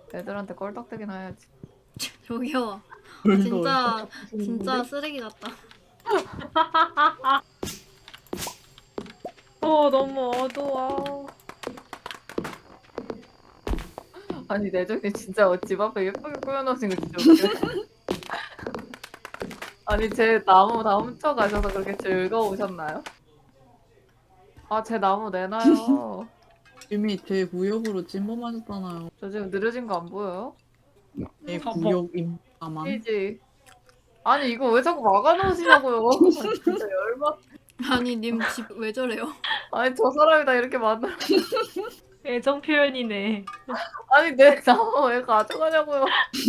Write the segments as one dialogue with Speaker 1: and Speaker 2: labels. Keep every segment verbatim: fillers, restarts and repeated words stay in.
Speaker 1: 애들한테 껄떡대긴 해야지.
Speaker 2: 저기요.
Speaker 3: 별거
Speaker 2: 진짜
Speaker 3: 없어.
Speaker 2: 진짜 쓰레기 같다.
Speaker 4: 어 너무 어두워.
Speaker 1: 아니 내정이 진짜 집 앞에 예쁘게 꾸며놓으신 거 진짜 웃겨. 아니 제 나무 다 훔쳐가셔서 그렇게 즐거우셨나요? 아 제 나무 내놔요.
Speaker 3: 이미 제 구역으로 찜범하셨잖아요.
Speaker 1: 저 지금 느려진 거 안 보여요?
Speaker 3: 제
Speaker 4: 어,
Speaker 3: 구역입니다만.
Speaker 1: 피지. 아니 이거 왜 자꾸 막아놓으시냐고요. 아, 진짜 열받.
Speaker 2: 아니 님 집 왜 저래요?
Speaker 1: 아니 저 사람이 다 이렇게 만들.
Speaker 4: 애정 표현이네.
Speaker 1: 아니 내 나무 왜 가져가냐고요.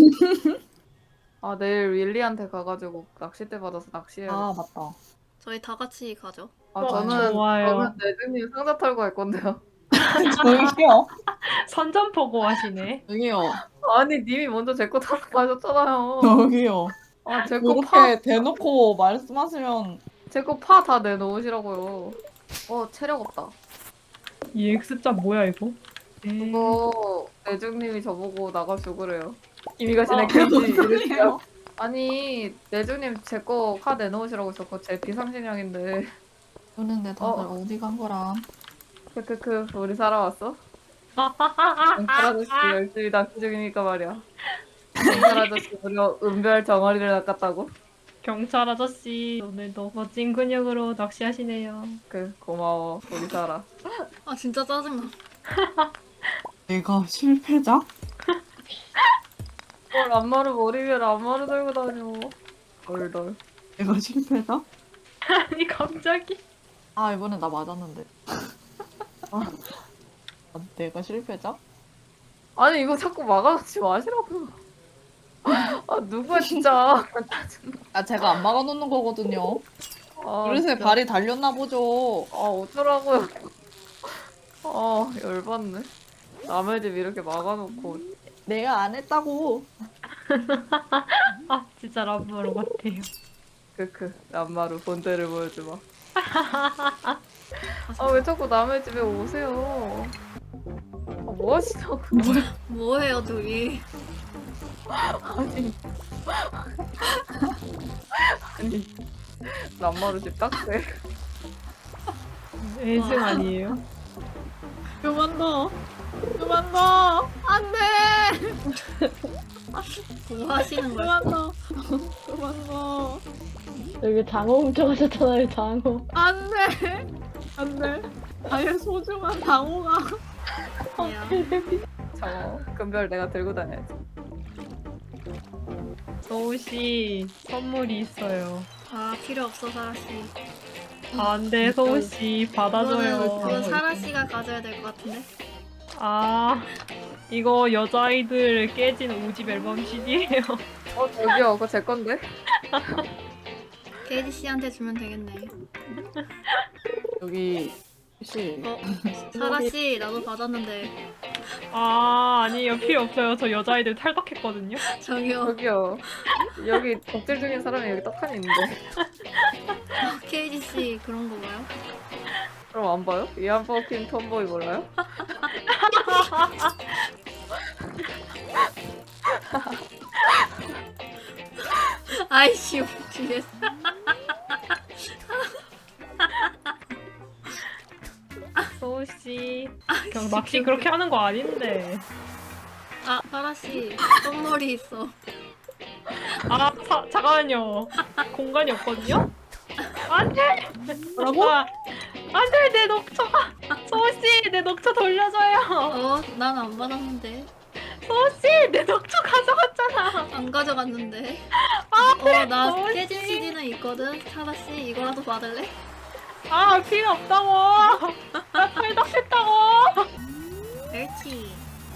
Speaker 1: 아 내일 윌리한테 가가지고 낚싯대 받아서 낚시해야겠다.
Speaker 3: 아 맞다.
Speaker 2: 저희 다 같이 가죠.
Speaker 1: 아
Speaker 4: 어,
Speaker 1: 저는
Speaker 4: 좋아요.
Speaker 1: 저는 내주님 상자 털고 갈 건데요.
Speaker 3: 저기요.
Speaker 4: 선전포고 하시네.
Speaker 3: 저기요.
Speaker 1: 아니 님이 먼저 제 거 털고 가셨잖아요.
Speaker 3: 저기요.
Speaker 1: 아 제 거 파,
Speaker 3: 그렇게 대놓고 말씀하시면
Speaker 1: 제 거 파 다 내놓으시라고요. 어 체력 없다.
Speaker 4: 이 X자 뭐야 이거? 음,
Speaker 1: 그거 내중님이 저보고 나가시고 그래요. 이미 가시네
Speaker 3: 아,
Speaker 1: 케이지
Speaker 3: 무슨
Speaker 1: 이랬어요.
Speaker 3: 소리예요?
Speaker 1: 아니 내중님 제 거 파 내놓으시라고 저거 제 비상식량인데.
Speaker 3: 그런데 다들
Speaker 1: 어.
Speaker 3: 어. 디 간 거람?
Speaker 1: 크크크 우리 살아왔어? 경찰 아저씨 열심히 낚시 중이니까 말이야. 경찰 아저씨 무려 은별 덩어리를 낚았다고?
Speaker 4: 경찰 아저씨 오늘도 멋진 근육으로 낚시하시네요.
Speaker 1: 그 고마워 우리 살아.
Speaker 2: 아 진짜 짜증나.
Speaker 3: 내가 실패자?
Speaker 1: 뭘 안마를 머리 위에 안마를 들고 다녀. 덜덜.
Speaker 3: 내가 실패자?
Speaker 4: 아니 갑자기.
Speaker 3: 아 이번엔 나 맞았는데. 아, 내가 실패자?
Speaker 1: 아니 이거 자꾸 막아놓지 마시라고요. 아 누구야 진짜.
Speaker 3: 아 제가 안 막아놓는 거거든요.
Speaker 1: 아,
Speaker 3: 그래서
Speaker 1: 진짜.
Speaker 3: 발이 달렸나 보죠.
Speaker 1: 아 어쩌라고요. 아 열받네. 남의 집 이렇게 막아놓고.
Speaker 3: 내가 안 했다고.
Speaker 4: 아 진짜 라브로 같아요.
Speaker 1: 크크 남마루 본때를 보여주마. 아 왜 자꾸 남의 집에 오세요. 아, 뭐 하시냐고.
Speaker 2: 뭐해요 둘이?
Speaker 1: 아니 아니 남마루 집 딱세.
Speaker 4: 애증 아니에요?
Speaker 3: 그만 둬. 그만 둬.
Speaker 2: 안돼. 뭐 하시는 거야?
Speaker 3: 그만 둬. 그만 둬.
Speaker 5: 여기 장어 훔쳐가셨잖아요, 장어.
Speaker 3: 안돼. 안돼. 나의 소중한 당호가.
Speaker 2: 야.
Speaker 1: 저 금별 내가 들고 다녀야지.
Speaker 4: 서우씨 선물이 있어요.
Speaker 2: 아 필요 없어 사라 씨.
Speaker 4: 안돼 서우씨
Speaker 2: 그거는
Speaker 4: 받아줘요.
Speaker 2: 그건 사라 씨가 가져야 될 것 같은데.
Speaker 4: 아 이거 여자아이들 깨진 오집 앨범 씨디예요.
Speaker 1: 어 저기요 그거 제 건데.
Speaker 2: 케이지 씨한테 주면 되겠네.
Speaker 3: 여기 혹시
Speaker 2: 어 사라 씨 나도 받았는데
Speaker 4: 아 아니요 필요 없어요. 저 여자아이들 탈덕했거든요.
Speaker 2: 저기요.
Speaker 1: 저기요 여기 덕질 중인 사람이 여기 떡하니 있는데.
Speaker 2: 케이지 씨 그런 거 봐요?
Speaker 1: 그럼 안 봐요? 이안 버킨 톰보이 몰라요?
Speaker 2: 아이씨 웃기겠어.
Speaker 4: 서우씨 그냥 낚시 그렇게 하는 거 아닌데.
Speaker 2: 아 사라 씨 똥놀이 있어.
Speaker 4: 아 사, 잠깐만요. 공간이 없거든요? 안돼!
Speaker 3: 뭐라고?
Speaker 4: 아, 안돼 내 녹초가 서우씨 내 녹초 돌려줘요.
Speaker 2: 어난 안 받았는데.
Speaker 4: 서우씨 내 녹초 가져갔잖아.
Speaker 2: 안 가져갔는데.
Speaker 4: 아,
Speaker 2: 어나
Speaker 4: 뭐지?
Speaker 2: 케이지 씨디는 있거든. 사라 씨 이거라도 받을래?
Speaker 4: 아 필요 없다고. 나 탈덕했다고.
Speaker 2: 멸치.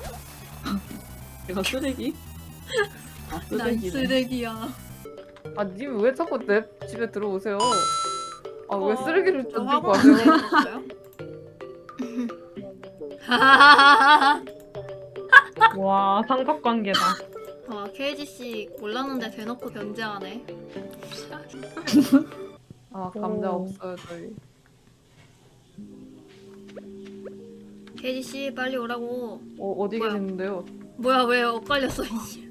Speaker 3: 내가 쓰레기? 아
Speaker 2: 난
Speaker 3: 쓰레기네.
Speaker 2: 쓰레기야.
Speaker 1: 아 님 왜 자꾸 내 집에 들어오세요? 아 왜
Speaker 2: 어,
Speaker 1: 쓰레기를
Speaker 2: 저
Speaker 1: 던지고
Speaker 2: 화분
Speaker 1: 가세요?
Speaker 2: 내줬어요? 하하하하.
Speaker 4: 와 삼각관계다.
Speaker 2: 와 케이지 씨 몰랐는데 대놓고 변제하네.
Speaker 1: 아 감자
Speaker 4: 오.
Speaker 1: 없어요 저희.
Speaker 2: 케이지 씨 빨리 오라고.
Speaker 1: 어 어디
Speaker 2: 뭐야?
Speaker 1: 계시는데요?
Speaker 2: 뭐야 왜 엇갈렸어 이씨.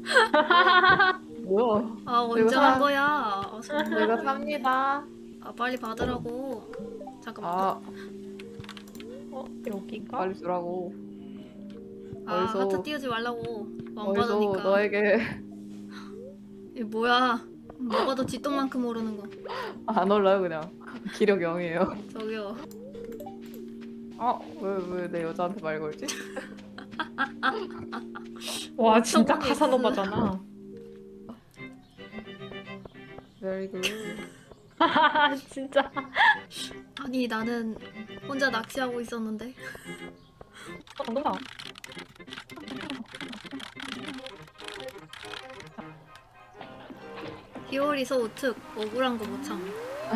Speaker 1: 뭐야?
Speaker 2: 아 언제
Speaker 1: 내가
Speaker 2: 한
Speaker 1: 사-
Speaker 2: 거야? 아,
Speaker 1: 내가 삽니다.
Speaker 2: 아 빨리 받으라고. 잠깐만.
Speaker 1: 아
Speaker 4: 어 여기가?
Speaker 1: 빨리 주라고.
Speaker 2: 아
Speaker 1: 어디서-
Speaker 2: 하트 띄우지 말라고. 안
Speaker 1: 어디서
Speaker 2: 받으니까.
Speaker 1: 너에게
Speaker 2: 이게 뭐야? 먹어도 쥐똥만큼 오르는 거.
Speaker 1: 안 올라요 그냥. 기력 영이에요.
Speaker 2: 저기요.
Speaker 1: 아왜왜 내 여자한테 말 걸지?
Speaker 4: 와 진짜
Speaker 2: 엄청
Speaker 4: 카사노바잖아.
Speaker 1: Very good.
Speaker 4: 진짜.
Speaker 2: 아니 나는 혼자 낚시하고 있었는데.
Speaker 4: 어, 정답.
Speaker 2: 히오리서 우특 억울한 거 못 참.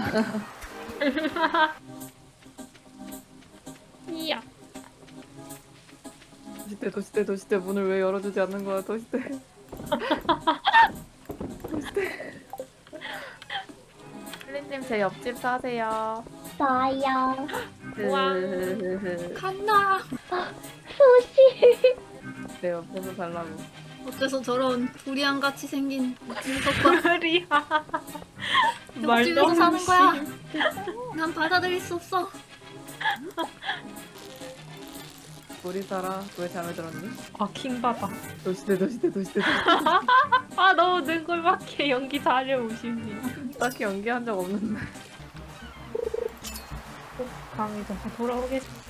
Speaker 4: 이야.
Speaker 1: 도시대 도시대 도시대 문을 왜 열어주지 않는 거야 도시대. 도시대. 플린님 제 옆집 사세요.
Speaker 5: 나야.
Speaker 4: 우와.
Speaker 2: 칸나.
Speaker 5: 소시.
Speaker 1: 내 옆에서 살라고.
Speaker 2: 어째서 저런 두리안 같이 생긴 녀석과
Speaker 4: 말이야.
Speaker 2: 옆집에서 사는 거야. 난 받아들일 수 없어.
Speaker 1: 우리 살아. 왜 잠에 들었니?
Speaker 4: 아 킹받아.
Speaker 1: 도시대 도시대 도시대. 도시대.
Speaker 4: 아 너무 능글맞게 연기 잘해오십니다.
Speaker 1: 딱히 연기한 적 없는데.
Speaker 4: 강의자 돌아오겠습니다.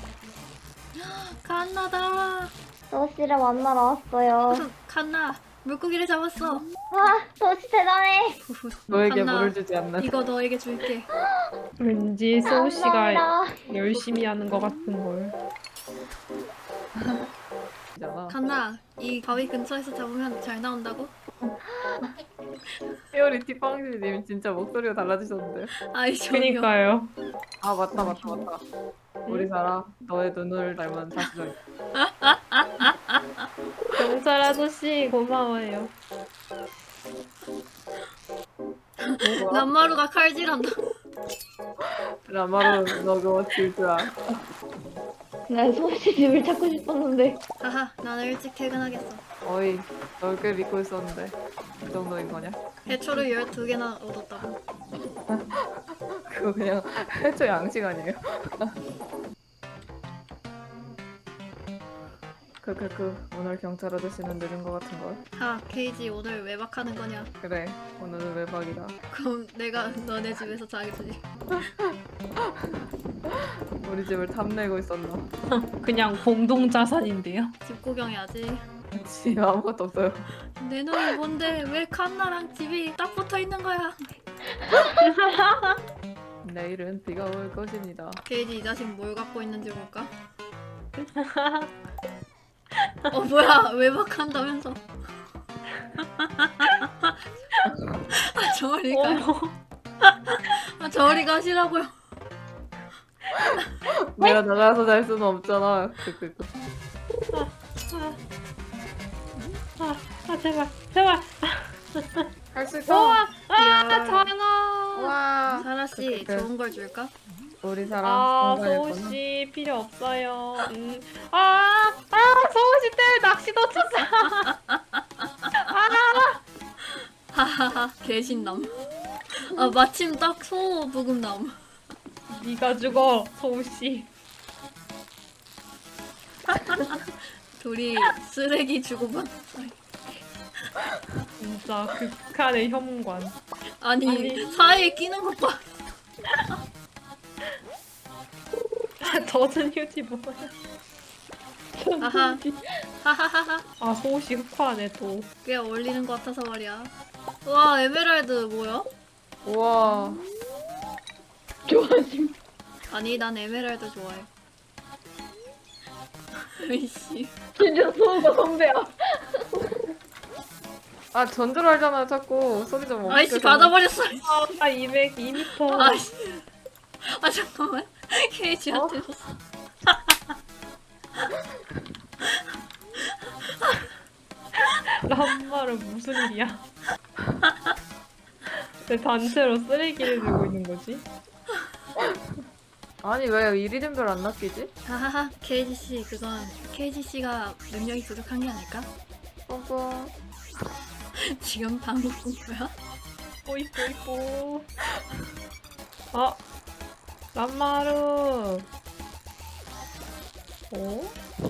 Speaker 2: 칸나다.
Speaker 5: 소시를 만나러 왔어요.
Speaker 2: 칸나 물고기를 잡았어.
Speaker 5: 와, 소시 대단해.
Speaker 1: 너에게
Speaker 2: 칸나,
Speaker 1: 물을 주지 않는.
Speaker 2: 이거 너에게 줄게.
Speaker 4: 왠지 소우 씨가
Speaker 5: 감사합니다.
Speaker 4: 열심히 하는 것 같은 걸.
Speaker 1: 잖아.
Speaker 2: 칸나 이 바위 근처에서 잡으면 잘 나온다고?
Speaker 1: 히오리 티팡시님 진짜 목소리가 달라지셨는데.
Speaker 2: 아이 저기요.
Speaker 4: 그니까요.
Speaker 1: 아 맞다 맞다 맞다. 우리 살아. 너의 눈을 닮은 사시정.
Speaker 4: 경찰 아저씨 고마워요.
Speaker 2: 남마루가 칼질한다.
Speaker 1: 라마로 너 그거 질줄 알아.
Speaker 5: 난 소시 집을 찾고 싶었는데.
Speaker 2: 하하 나는 일찍 퇴근하겠어.
Speaker 1: 어이 널 꽤 믿고 있었는데 이 정도인 거냐?
Speaker 2: 해초를 열두 개나 얻었다고.
Speaker 1: 그거 그냥 해초 양식 아니에요? 크크크 오늘 경찰 아저씨는 느린 거 같은 걸.
Speaker 2: 하 케이지 오늘 외박하는 거냐?
Speaker 1: 그래 오늘은 외박이다.
Speaker 2: 그럼 내가 너네 집에서 자게 되지.
Speaker 1: 우리 집을 탐내고 있었나?
Speaker 4: 그냥 공동 자산인데요.
Speaker 2: 집 구경해야지.
Speaker 1: 지 아무것도 없어요.
Speaker 2: 내 눈이 뭔데 왜 칸나랑 집이 딱 붙어 있는 거야?
Speaker 1: 내일은 비가 올 것입니다.
Speaker 2: 케이지 이 자식 뭘 갖고 있는지 볼까? 어 뭐야 외박한다면서? 아 저리 가.
Speaker 4: 어머.
Speaker 2: 아 저리 가시라고요.
Speaker 1: 내가 나가서 잘 수는 없잖아. 크크크.
Speaker 4: 아, 아 제발 제발.
Speaker 1: 할 수 있어.
Speaker 4: 우와. 아
Speaker 2: 이야.
Speaker 4: 장아.
Speaker 1: 와.
Speaker 2: 사라 씨
Speaker 1: 그래.
Speaker 2: 좋은 걸 줄까?
Speaker 1: 우리 사람
Speaker 4: 아
Speaker 1: 건강했구나.
Speaker 4: 소우 씨 필요 없어요. 음. 아, 아 소우 씨 때문에 낚시 놓쳤어.
Speaker 2: 하하하 개신남. 아 마침 딱 소 부금남.
Speaker 4: 네가 죽어 소우 씨.
Speaker 2: 둘이 쓰레기 주고받는 사이.
Speaker 4: 진짜 극한의 혐관.
Speaker 2: 아니,
Speaker 4: 아니.
Speaker 2: 사이에 끼는 것 봐.
Speaker 4: 아, 젖은 휴지 뭐야?
Speaker 2: 하하. 하하하하.
Speaker 4: 아 소우 씨 흑화네 또.
Speaker 2: 꽤 어울리는 것 같아서 말이야. 와 에메랄드 뭐야?
Speaker 1: 우와.
Speaker 5: 좋아짐.
Speaker 2: 아니 난 에메랄드 좋아해. 으이씨.
Speaker 5: 진짜 소우가 선배야.
Speaker 1: 아 전주를 하잖아 자꾸 소리 좀 없게.
Speaker 2: 아이씨 받아버렸어.
Speaker 4: 아 이백이 미터.
Speaker 2: 아이씨. 아 잠깐만. 케이지한테 줬어.
Speaker 4: 람마는 무슨 일이야? 왜 단체로 쓰레기를 들고 있는 거지?
Speaker 1: 아니 왜 이리름별 안 낚이지?
Speaker 2: 하하하 케이지 씨 그건 케이지 씨가 능력이 부족한 게 아닐까?
Speaker 1: 뻥뻥.
Speaker 2: 지금 방금 꾼 거야?
Speaker 4: 뽀이뽀 이뽀. 아 람마루. 어?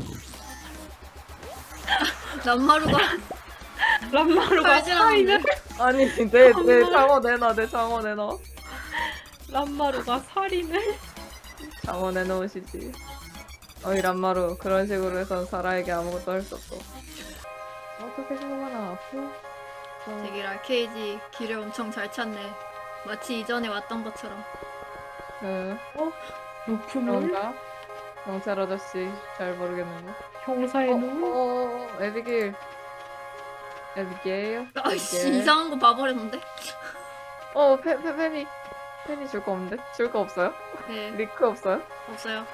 Speaker 2: 람마루가
Speaker 4: 람마루가
Speaker 2: 빨지라는데?
Speaker 4: 살인을?
Speaker 1: 아니 내 내 장어 내놔 내 장어 내놔.
Speaker 4: 람마루가 살인을?
Speaker 1: 장어 내놓으시지. 어이 람마루 그런 식으로 해선 사라에게 아무것도 할 수 없어. 어떻게 생각하나? 어.
Speaker 2: 되기라 케이지 길을 엄청 잘 찾네. 마치 이전에 왔던 것처럼.
Speaker 1: 네.
Speaker 4: 높음을?
Speaker 1: 그런가? 경찰 아저씨 잘 모르겠는데.
Speaker 4: 형사의
Speaker 1: 어,
Speaker 4: 눈?
Speaker 1: 어, 어, 에비길. 에비게일.
Speaker 2: 아이씨 이상한 거 봐버렸는데?
Speaker 1: 어, 페, 페, 페니. 페니 줄 거 없는데? 줄 거 없어요?
Speaker 2: 네
Speaker 1: 리크 없어요?
Speaker 2: 없어요.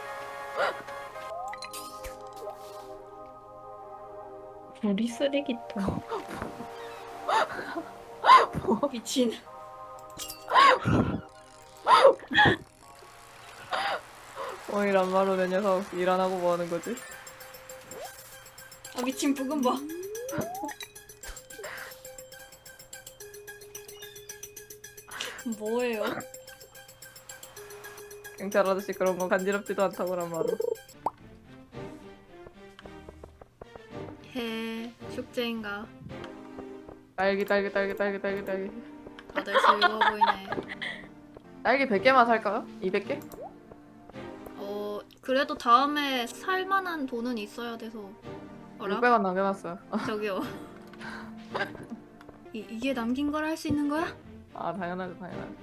Speaker 4: 우리 쓰레기통.
Speaker 2: 미친.
Speaker 1: 어이 람마루 내 녀석 일 안 하고 뭐 하는 거지?
Speaker 2: 아 미친 부금 봐. 뭐예요?
Speaker 1: 경찰 아저씨 그런 거 간지럽지도 않다고 람마루.
Speaker 2: 해 축제인가?
Speaker 1: 딸기 딸기 딸기 딸기 딸기 딸기.
Speaker 2: 다들 즐거워 보이네.
Speaker 1: 딸기 백 개만 살까요? 이백 개?
Speaker 2: 어 그래도 다음에 살만한 돈은 있어야 돼서. 어라?
Speaker 1: 육백 원 남겨놨어요.
Speaker 2: 저기요. 이, 이게 남긴 걸 할 수 있는 거야?
Speaker 1: 아 당연하죠 당연하죠.